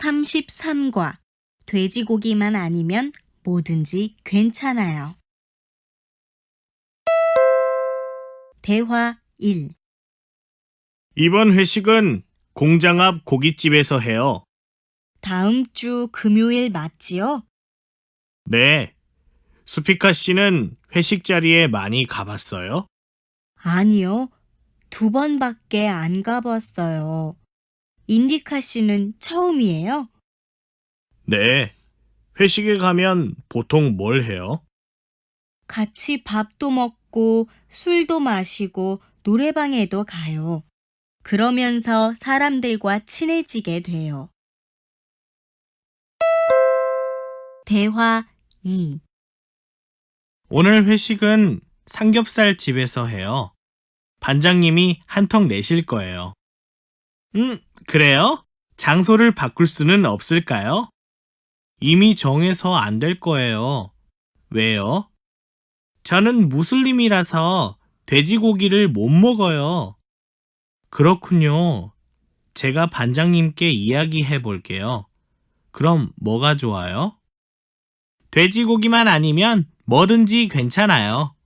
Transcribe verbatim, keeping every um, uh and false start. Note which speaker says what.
Speaker 1: 삼십삼과 돼지고기만 아니면 뭐든지 괜찮아요. 대화 일.
Speaker 2: 이번 회식은 공장 앞 고깃집에서 해요.
Speaker 1: 다음 주 금요일 맞지요?
Speaker 2: 네. 수피카 씨는 회식 자리에 많이 가봤어요?
Speaker 1: 아니요. 두 번밖에 안 가봤어요. 인디카 씨는 처음이에요?
Speaker 2: 네. 회식에 가면 보통 뭘 해요?
Speaker 1: 같이 밥도 먹고 술도 마시고 노래방에도 가요. 그러면서 사람들과 친해지게 돼요. 대화 이.
Speaker 2: 오늘 회식은 삼겹살 집에서 해요. 반장님이 한턱 내실 거예요. 음, 그래요? 장소를 바꿀 수는 없을까요? 이미 정해서 안 될 거예요. 왜요? 저는 무슬림이라서 돼지고기를 못 먹어요. 그렇군요. 제가 반장님께 이야기해 볼게요. 그럼 뭐가 좋아요? 돼지고기만 아니면 뭐든지 괜찮아요.